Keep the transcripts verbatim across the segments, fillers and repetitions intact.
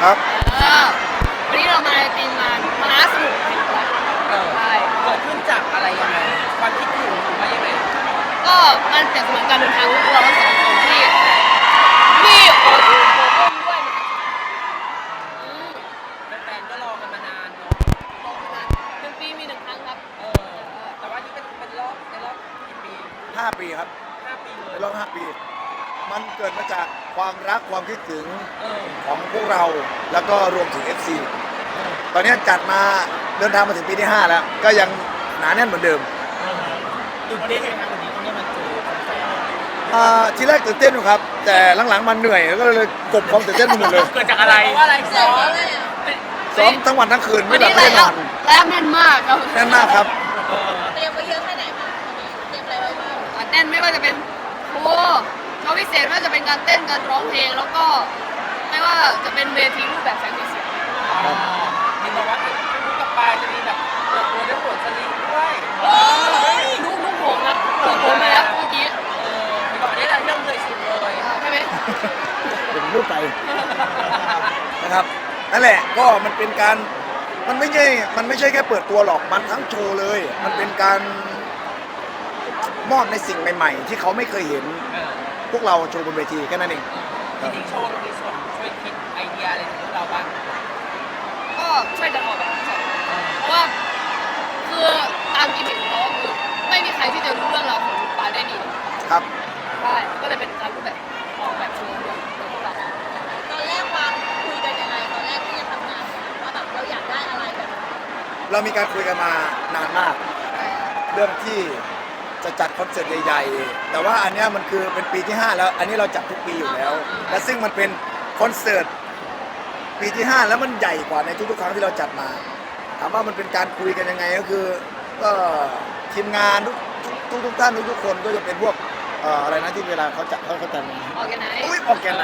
ครับเออวันนี้เรามาในทีมงานมหาสนุกแห่งรักเออใช่เกิดขึ้นจากอะไรยังไงความคิดถึงหรือว่ายังไงก็มันเป็นเหมือนการเดินทางของพวกเราทั้งสองคนที่มีโอ้โหโอ้มด้วยอืมแฟนๆก็รอกันมานานเนาะรอมานานหนึ่งปีมีหนึ่งครั้งครับเออแต่ว่านี่เป็นเป็นรอบในรอบกี่ปีห้าปีครับห้าปีเลในยรอบห้าปี มันเกิดมาจากความรักความคิดถึงเออของพวกเราแล้วก็รวมถึง เอฟ ซี ตอนนี้จัดมาเดินทางมาถึงปีที่ห้าแล้วก็ยังหนาแน่นเหมือนเดิมตื่นเต้นไหมครับวันนี้ตรงนี้มันเจอแฟนอ่าทีแรกตื่นเต้นอยู่ครับ แต่หลังๆมันเหนื่อยก็เลยกลบความตื่นเต้นไปหมดเลยเกิดจากอะไรเพราะว่าอะไรซ้อมซ้อมทั้งวันทั้งคืนวัไม่นหลันี้บไม่แล้ได้นวอนแล้วแน่นมากครับแน่นมากครับเตรียมไว้เยอะแค่ไหนคะวันนี้เตรียมอะไรไว้บ้างอ่ะแน่นไม่ว่าจะเป็นโอ้โชว์พิเศษไม่ว่าจะเป็นการเต้นการร้องเพลงแล้วก็ไม่ว่าจะเป็นเวทีรูปแบบแสงสีเสียงเห็นบอกว่าเป็นลูกกับปลายจะมีแบบเปิดตัวด้วยผลสลิงด้วยลูกลูกผมนะลูกผมไปแล้วเมื่อกี้เออเห็นบอกได้รายเรื่องเลยสุดเลยอ่าใช่ไหมเป็นรูปไปนะครับนั่นแหละก็มันเป็นการมันไม่ใช่มันไม่ใช่แค่เปิดตัวหรอกมันทั้งโชว์เลย มันเป็นการมอบในสิ่งใหม่ๆ ที่เขาไม่เคยเห็นเออพวกเราโชว์บนเวทีแค่นั้นเองจริงๆโชว์เรามีส่วนช่วยคิดไอเดียอะไรของพวกเราบ้างก็ช่วยกันออกแบบใช่เพราะว่าคือตามกิมมิคของเขาคือไม่มีใครที่จะรู้เรื่องราวของลูกปลายได้ดีครับใช่ก็เลยเป็นการรูปแบบออกแบบโชว์ด้วยโดยพวกเราตอนแรกวางคุยกันยังไงตอนแรกที่จะทำงานว่าแบบเราอยากได้อะไรแบบเรามีการคุยกันมานานมาก เรื่องที่จะจัดคอนเสิร์ตใหญ่ๆ แต่ว่าอันเนี้ยมันคือเป็นปีที่ห้าแล้ว อันนี้เราจัดทุกปีอยู่แล้ว และซึ่งมันเป็นคอนเสิร์ตปีที่ห้าแล้วมันใหญ่กว่าในทุกๆครั้งที่เราจัดมา ถามว่ามันเป็นการคุยกันยังไงก็คือก็ทีมงานทุกทุกทุกท่านทุกๆคนก็จะเป็นพวกเอ่ออะไรนะที่เวลาเขาจัดเขาเขาจัดงานออแกไนซ์อุ้ยออกแกนไหน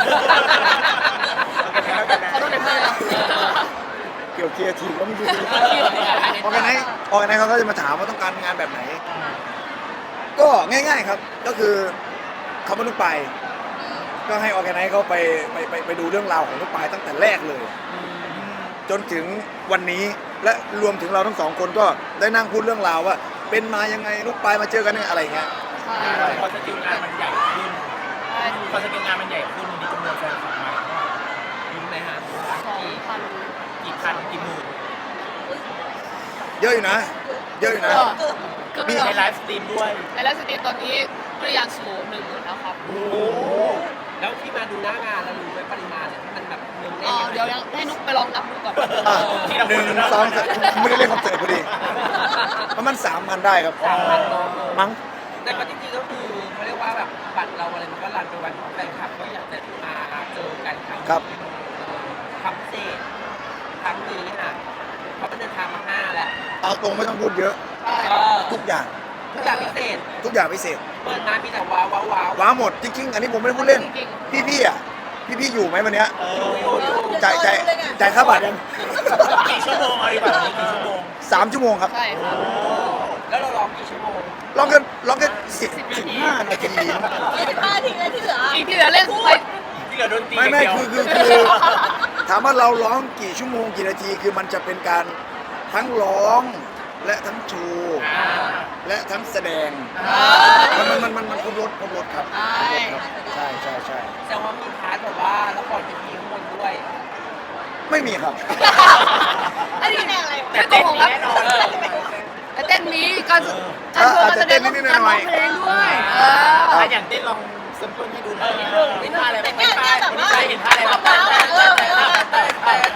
เขาต้องเป็นเพื่อนเราเกี่ยวเคียร์ทีมก็ไม่รู้ออกแกนไหนออกแกนไหนเขาก็จะมาถามว่าต้องการงานแบบไหน ก็ง่ายๆครับ ก็คือเขาไม่ต้องไป ก็ให้ออแกไนซ์เขาไปไปไปไปดูเรื่องราวของลูกปลายตั้งแต่แรกเลย จนถึงวันนี้และรวมถึงเราทั้งสองคนก็ได้นั่งพูดเรื่องราวว่า เป็นมายังไงลูกปลายมาเจอกันยังไงอะไรเงี้ยใช่พอสกิลงานมันใหญ่ขึ้นใช่พอสกิลงานมันใหญ่ขึ้นมีจำนวนแฟนคลับมารู้ไหมฮะสองพันกี่พันกี่หมื่นเยอะอยู่นะ เยอะอยู่นะก็คือมีมีในไลฟ์สตรีมด้วยในไลฟ์สตรีมตอนนี้พยายามสูงหนึ่งหมื่นแล้วครับโอ้แล้วที่มาดูหน้างานแล้วรู้ไหมปริมาณเนี่ยที่มันแบบเนืองแน่อ๋อน เดี๋ยวยังให้นุ๊กไปลองนับดูก่อนอ่ะหนึ่งสองสามไม่ได้เล่นคอนเสิร์ตพอดีประมาณสามพันได้ครับสามพันเนาะมั้งแต่ก็จริงๆก็คือเขาเรียกว่าแบบบัตรเราอะไรมันก็รันไปวันของแฟนคลับก็อยากจะมาเจอกันครั้งครับครั้งพิเศษครั้งนี้ค่ะเขาเป็นเดินทางมาห้าแล้วเอาตรงไม่ต้องพูดเยอะใช่เออทุกอย่างทุกอย่างพิเศษทุกอย่างพิเศษเปิดมามีแต่ว้าวว้าวว้าวว้าหมดจริงๆ อันนี้ผมไม่ได้พูดเล่น พี่พี่ๆอ่ะ พี่พี่ๆอยู่ไหมวันเนี้ยอยู่อยู่อยู่จ่ายจ่ายจ่ายค่าบัตรยังกี่ชั่วโมงอะไรแบบนี้กี่ชั่วโมงสามชั่วโมงครับใช่ครับแล้วเราร้องกี่ชั่วโมงลองกันลองกันสิบสิบห้านาทียี่สิบห้าทีเลยที่เหลืออีกที่เหลือเล่นไปที่เหลือดนตรีไม่ไม่คือคือคือถามว่าเราร้องกี่ชั่วโมงกี่นาทีคือมันจะเป็นการทั้งร้องและทั้งโชว์อ่าและทั้งแสดงอ่ามันมันมันมันมันครบรถครบรถครับใช่ใช่ใช่ใช่แสดงว่ามีพาร์ทแบบว่าละครเป็นทีข้างบนด้วยไม่มีครับอันนี้แน่อะไรไม่โกหกครับแน่นอนเลยแต่เต้นนี้การการโชว์การแสดงต้องการร้องเพลงด้วยเอออ่ะอย่างเต้นลองซัมเปิลให้ดูหน่อยเห็นท่าอะไรบ้างแค่ไม่แค่ใช่แบบว่าไม่ใช่เห็นท่าอะไรบ้างเออเออเออ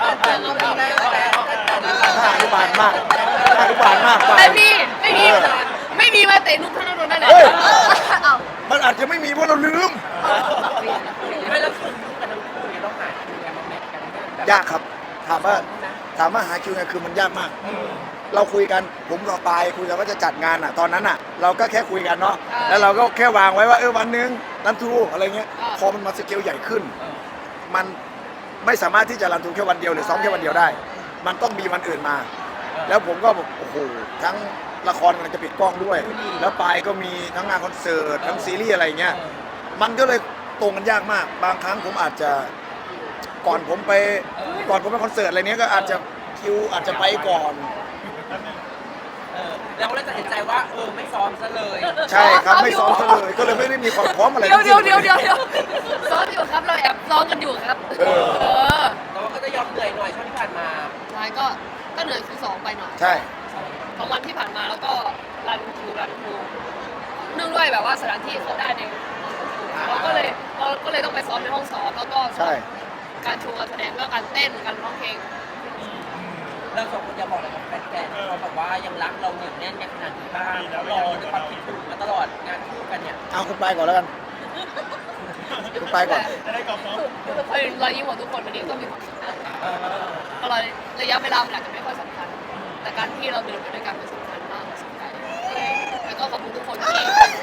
ท่าอนุบาลมากท่าอนุบาลมากไปแต่มีไม่มีไม่มีมาเตะนุ๊กธนดลได้เลยเฮ้ยเอ้ามันอาจจะไม่มีเพราะเราลืมไม่แล้วคือคู่กันทั้งคู่เนี่ยต้องหาคิวกันมาแมทกันแบบยากครับ ถามว่าถามว่าหาคิวไงคือมันยากมาก เราคุยกันผมกับปายคุยกันว่าจะจัดงานอ่ะ ตอนนั้นอ่ะ เราก็แค่คุยกันเนาะแล้วเราก็แค่วางไว้ว่าเออวันหนึงรันทรูอะไรเงี้ยพอมันมาสเกลใหญ่ขึ้น มันไม่สามารถที่จะรันทรูแค่วันเดียวหรือซ้อมแค่วันเดียวได้ มันต้องมีวันอื่นมา แล้วผมก็บอกโอ้โหทั้งละครมันจะปิดกล้องด้วย แล้วปายก็มีทั้งงานคอนเสิร์ตทั้งซีรีส์อะไรเงี้ยมันก็เลยตรงกันยากมาก บางครั้งผมอาจจะก่อนผมไปก่อนผมไปคอนเสิร์ตอะไรเนี้ยก็อาจจะคิวอาจจะไปก่อนเออเราก็เลยตัดสินใจว่าเออไม่ซ้อมซะเลยใช่ครับไม่ซ้อมซะเลยก็เลยไม่ได้มีความพร้อมอะไรเดี๋ยวทั้งเดี๋ยวสิ้นเดี๋ยวเดี๋ยวเดี๋ยวซ้อมอยู่ครับเราแอบซ้อมกันอยู่ครับเออเออแต่ว่าก็จะยอมเหนื่อยหน่อยช่วงที่ผ่านมาใช่ก็ก็เหนื่อยคือสองไปหน่อยใช่สองวันที่ผ่านมาแล้วก็รันทูรันทูเนื่องด้วยแบบว่าสถานที่เขาได้ในเราก็เลยเราก็เลยต้องไปซ้อมในห้องซ้อมแล้วก็ใช่การโชว์การแสดงแล้วการเต้นการร้องเพลงเราสองคนจะบอกอะไรกับแฟนๆที่เขาแบบว่ายังรักเราเหนียวแน่นกันขนาดนี้บ้างแล้วรอด้วยความคิดถึงมาตลอดงานคู่กันเนี่ยเอาคุณไปก่อนแล้วกันคุณไปก่อนทุกคนรอยยิ้มของทุกคนวันนี้ก็มีความสุขนะก็เลยระยะเวลามันอาจจะไม่ค่อยสำคัญ แต่การที่เราเดินไปด้วยกันมันสำคัญมากสำคัญแล้วก็ขอบคุณทุกคนที่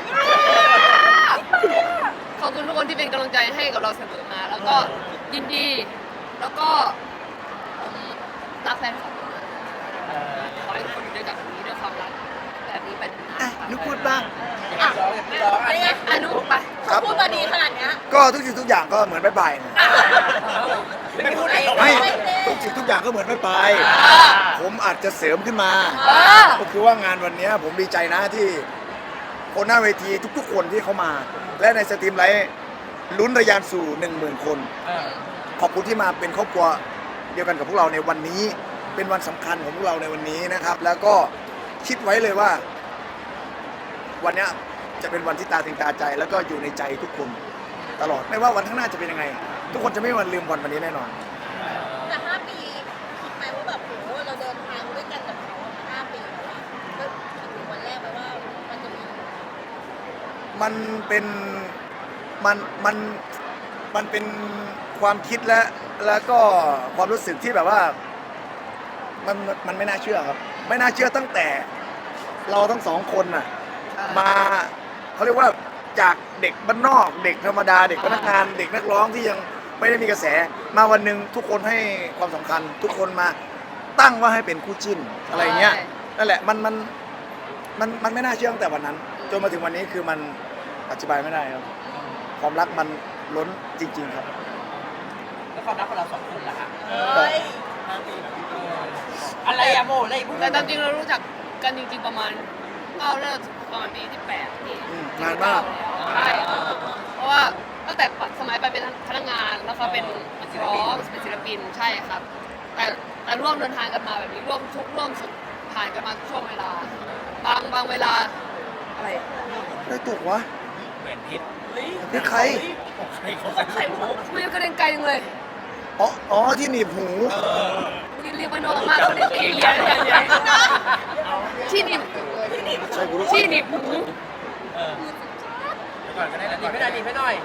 ขอบคุณทุกคนที่เป็นกำลังใจให้กับเราเสมอมา แล้วก็ยินดี แล้วก็ผมรักแฟนคลับมากขอให้ทุกคนอยู่ด้วยกันแบบนี้ด้วยความรักแบบนี้ไปนานๆอ่ะค่ะนุกพูดบ้างอย่าร้องอย่าร้องอันนี้อนุไปครับพูดมาดีขนาดเนี้ยก็ทุกสิ่งทุกอย่างก็เหมือนไม่ไปนะไม่พูดเองไม่ทุกสิ่งทุกอย่างก็เหมือนไม่ไป ผมอาจจะเสริมขึ้นมาเออก็คือว่างานวันนี้ผมดีใจนะที่คนหน้าเวทีทุกๆคนที่เขามา และในสตรีมไลท์ลุ้นระยานสู่หนึ่งหมื่นคนเออขอบคุณที่มาเป็นครอบครัวเดียวกันกับพวกเราในวันนี้ เป็นวันสำคัญของพวกเราในวันนี้นะครับ แล้วก็คิดไว้เลยว่า วันเนี้ยจะเป็นวันที่ตาถึงตาใจ แล้วก็อยู่ในใจทุกคนตลอดไม่ว่าวันข้างหน้าจะเป็นยังไง ทุกคนจะไม่มีวันลืมวันวันนี้แน่นอนแต่ห้าปีคิดไหมว่าแบบโหเราเดินทางด้วยกันกับเขามาห้าปีแล้วอะก็คิดถึงวันแรกไหมว่ามันจะมีมันเป็นมันมันมันเป็นความคิดและแล้วก็ความรู้สึกที่แบบว่ามันมันไม่น่าเชื่อครับ ไม่น่าเชื่อตั้งแต่เราทั้งสองคนน่ะมาเขาเรียกว่าจากเด็กบ้านนอก เด็กธรรมดาเด็กพนักงาน เด็กนักร้องที่ยังไม่ได้มีกระแส มาวันหนึ่งทุกคนให้ความสำคัญ ทุกคนมาตั้งว่าให้เป็นคู่จิ้นอะไรเงี้ยนั่นแหละมันมันมันมันไม่น่าเชื่อตั้งแต่วันนั้น จนมาถึงวันนี้คือมันอธิบายไม่ได้ครับความรักมันล้นจริง ๆ ครับแล้วความรักของเราสองคนล่ะฮะเฮ้ยเอออะไรอะโมอะไรพูดแต่ตามจริงเรารู้จักกันจริงๆประมาณเก้าเริ่มประมาณปีที่แปดปีอืมนานมากใช่เพราะว่าตั้งแต่สมัยไปเป็นพนักงานแล้วก็เป็นนักร้องเป็นศิลปินใช่ครับ แต่แต่ร่วมเดินทางกันมาแบบนี้ร่วมทุกข์ร่วมสุขผ่านกันมาทุกช่วงเวลา บางบางเวลาอะไรได้ตกวะเหมือนพิษนี่ใครใครเขาใส่ไข่มุกไม่กระเด็นไกลจังเลยอ๋ออ๋อที่หนีบหูเรียกว่าน้องมากเขาเรียกเอเลียนอย่างเงี้ยที่หนีบใช่กูรู้ที่หนีบหูเออก่อนก็ได้ดีไม่ได้ดีไม่หน่อย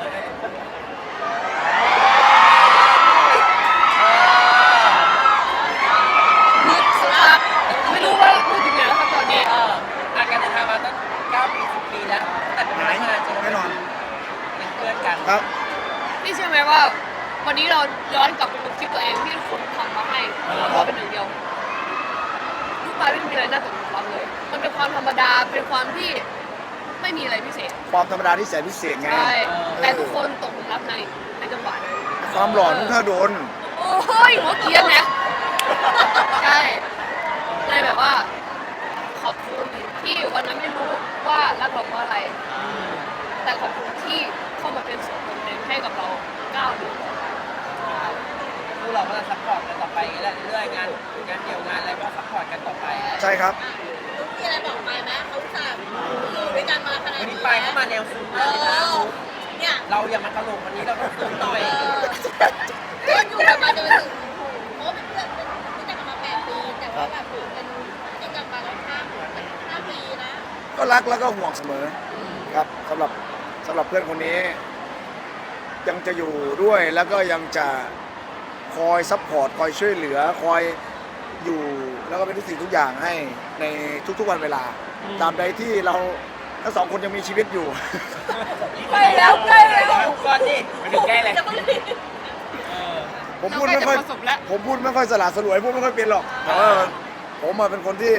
ไม่รู้ว่าพูดถึงไหนแล้วครับตอนนี้เอออาการเดินทางมาตั้งเก้าปีสิบปีแล้วแต่เป็นพนักงานจนแน่นอนเป็นเพื่อนกันครับนี่เชื่อไหมว่า วันนี้เราย้อนกลับไปดูคลิปตัวเองที่คนทำมาให้เราเป็นหนึ่งเดียวลูกปลายไม่มีอะไรน่าตกหลุมรักเลย มันเป็นความธรรมดาเป็นความที่ไม่มีอะไรพิเศษความธรรมดาที่แสนพิเศษไงใช่แต่ทุกคนตกหลุมรักในในจังหวะนั้นความหล่อนุ่งท่าโดนโอ้ยหัวเกรียนนะใช่เลยแบบว่า ขอบคุณที่วันนั้นไม่รู้ว่ารักเราเพราะอะไร แต่ขอบคุณที่เข้ามาเป็นส่วนหนึ่งให้กับเราเก้าเดือนพวกเราก็จะซัพพอร์ตกันต่อไปเรื่อยๆงานงานเดียวงานอะไรก็ซัพพอร์ตกันต่อไปใช่ครับลูกมีอะไรบอกไปไหมเขาอุตส่าห์อยู่ด้วยกันมาขนาดวันนี้นี้ไปเข้ามาแนวซูมเอเลยนะอเนี่ยเราอย่ามาตลกวันนี้เราต้องซูมหน่อยเพื่อนอยู่กันมาจนถึงโอ้เป็นเพื่อนเป็นรู้จักกันมาแปดปีแต่ว่าแบบเป็นจริงกับมาแล้วห้าห้าปีนะก็รักแล้วก็ห่วงเสมอครับสำหรับสำหรับเพื่อนคนนี้ ยังจะอยู่ด้วยแล้วก็ยังจะคอยซัพพอร์ตคอยช่วยเหลือคอยอยู่แล้วก็เป็นทุกสิ่งทุกอย่างให้ในทุกๆวันเวลา ตามใดที่เราทั้งสองคนยังมีชีวิตอยู่ใกล้แล้วใกล้แล้วก่อนดิไม่ถึงแก้เลยผมพูดไม่ค่อยเราใกล้จะประสบแล้วผมพูดไม่ค่อยสละสลวยพูดไม่ค่อยเป็นหรอกแต่ว่าผมมาเป็นคนที่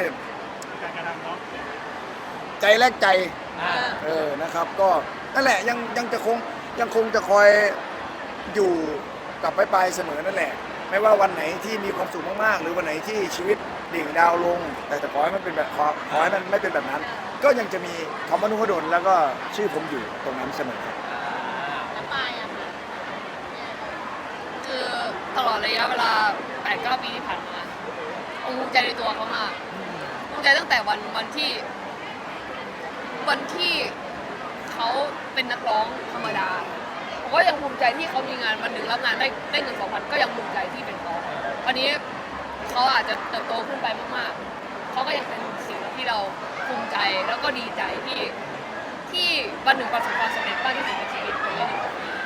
ใจแลกใจอ่าเออนะครับ ก็นั่นแหละยังยังจะคงยังคงจะคอยอยู่กับไปไปเสมอนั่นแหละ ไม่ว่าวันไหนที่มีความสุขมากๆหรือวันไหนที่ชีวิตดิ่งดาวลง แต่แต่ขอให้มันเป็นแบบขอขอให้มันไม่เป็นแบบนั้น ก็ยังจะมีคำว่านุพดลแล้วก็ชื่อผมอยู่ตรงนั้นเสมอครับแล้วปลายอะค่ะคือตลอดระยะเวลาแปดเก้าปีที่ผ่านมาผมภูมิใจในตัวเขามากภูมิใจตั้งแต่วันวันที่ วันที่เขาเป็นนักร้องธรรมดาผมก็ยังภูมิใจที่เขามีงานวันหนึ่งรับงานได้ได้เงินสองพันก็ยังภูมิใจที่เป็นเขาวันนี้เขาอาจจะเติบโตขึ้นไปมากๆเขาก็ยังเป็นสิ่งที่เราภูมิใจแล้วก็ดีใจที่ที่วันหนึ่งประสบความสำเร็จมากที่สุดในชีวิตคนนี้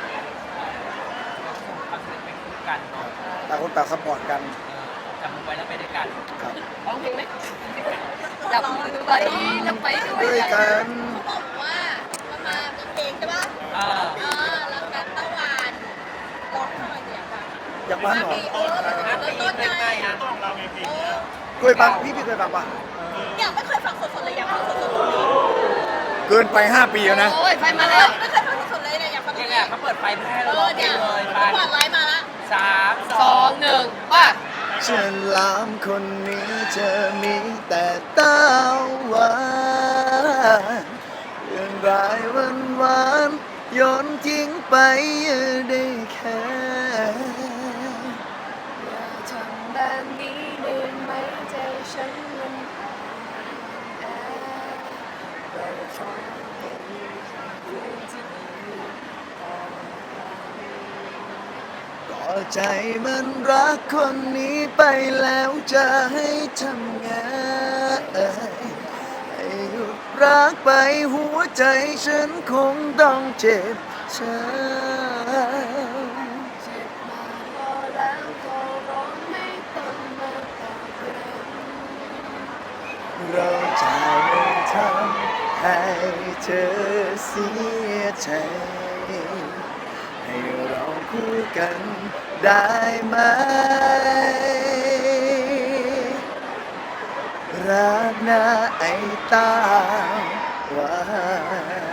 ความสำเร็จไปคู่กันเนาะต่างคนต่างซัพพอร์ตกันจับมือไว้แล้วไปด้วยกันครับร้องเพลงไหมจับมือไปจะไปด้วด้วย ยกันกันเขาบอกว่ามันมามีเพลงใช่ปะอ่าเออแล้วแบบตะวันร้องทำไมเสียงแบบอยากฟังเหรอเอออ่ะเริ่มต้ต้นนไงไงอ่ะเออเคยฟังพี่พี่เคยฟังปะเนี่ยไม่เคยฟังสดๆเลยอยากฟังสดๆตรงนี้เกินไปห้าปีแล้วนะโอ้ยไฟมาไม่แล้วเคยฟังสดๆเลยเนี่ยอยากฟังตรยังงไงนี้เขาเปิดไฟเพื่อให้เอเราร้อองเพลเนี่ยงเลยไปจังหวะไลฟ์มาละสามสองหนึ่งว่าฉลามคนนี้จะมีแต่ตาหวานเรื่องรายวันวานๆโยนทิ้งไปได้แค่อย่าทำแบบนี้ได้ไหมใจฉันมันแอบเราชอบเป็นคนที่ดีก็ใจมันรักคนนี้ไปแล้วจะให้ทำไงให้หยุดรักไปหัวใจฉันคงต้องเจ็บช้ำเจ็บมาพอแล้วก็ร้องไม่ต้องมาตอบรับเราจะไม่ทำให้เธอเสียใจ ให้เราคู่กันได้ไหม รักนะไอ้ตาหวาน